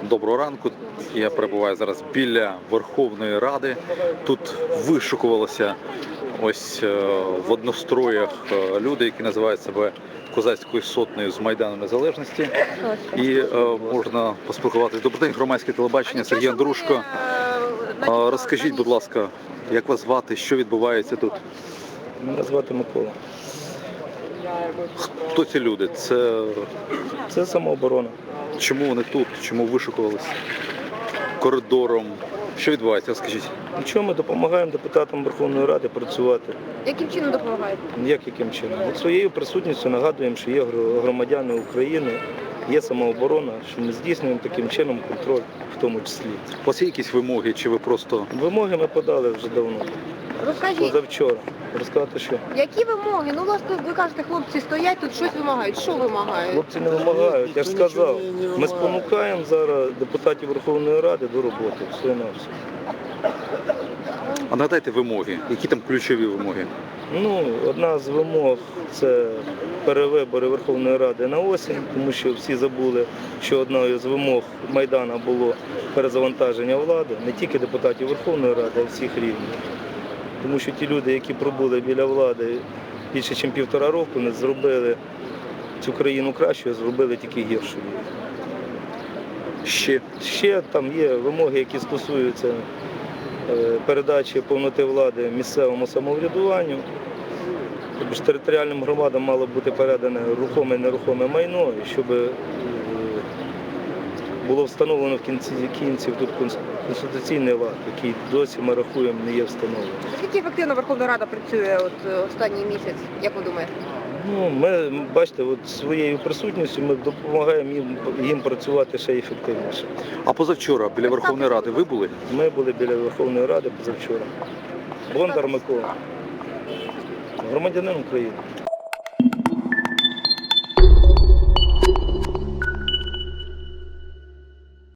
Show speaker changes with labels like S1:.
S1: Доброго ранку. Я перебуваю зараз біля Верховної Ради. Тут вишукувалися ось в одностроях люди, які називають себе Козацькою сотнею з Майдану Незалежності. І можна поспілкуватися. Добрий день, громадське телебачення, Сергій Андрушко. Розкажіть, будь ласка, як вас звати, що відбувається тут?
S2: Мене звати Микола.
S1: Хто ці люди?
S2: Це самооборона.
S1: Чому вони тут? Чому вишукувалися коридором? Що відбувається? Розкажіть.
S2: Нічого, ми допомагаємо депутатам Верховної Ради працювати.
S3: Яким чином допомагаєте?
S2: Яким чином? От своєю присутністю нагадуємо, що є громадяни України, є самооборона, що ми здійснюємо таким чином контроль в тому числі.
S1: У вас є якісь вимоги, чи ви просто...
S2: Вимоги ми подали вже давно,
S3: Розкажіть,
S2: позавчора. Розказати, що?
S3: які вимоги? Ну, власне, ви кажете, хлопці стоять, тут щось вимагають. Що вимагають?
S2: Хлопці не вимагають, я ж сказав. Ми спонукаємо зараз депутатів Верховної Ради до роботи, все на все.
S1: А нагадайте вимоги. Які там ключові вимоги?
S2: Одна з вимог – це перевибори Верховної Ради на осінь, тому що всі забули, що одною з вимог Майдану було перезавантаження влади, не тільки депутатів Верховної Ради, а всіх рівнів. Тому що ті люди, які пробули біля влади більше, ніж 1,5 року, не зробили цю країну кращою, зробили тільки гіршою. Ще там є вимоги, які стосуються передачі повноти влади місцевому самоврядуванню. Тобто територіальним громадам мало бути передане рухоме і нерухоме майно, і щоб було встановлено в кінці кінців тут конституційний лад, який досі, ми рахуємо, не є встановлений.
S3: Скільки ефективно Верховна Рада працює останній місяць, як ви думаєте?
S2: Ми, бачите, своєю присутністю ми допомагаємо їм працювати ще ефективніше.
S1: А позавчора біля Верховної Ради ви були?
S2: Ми були біля Верховної Ради позавчора. Бондар Микола, громадянин України.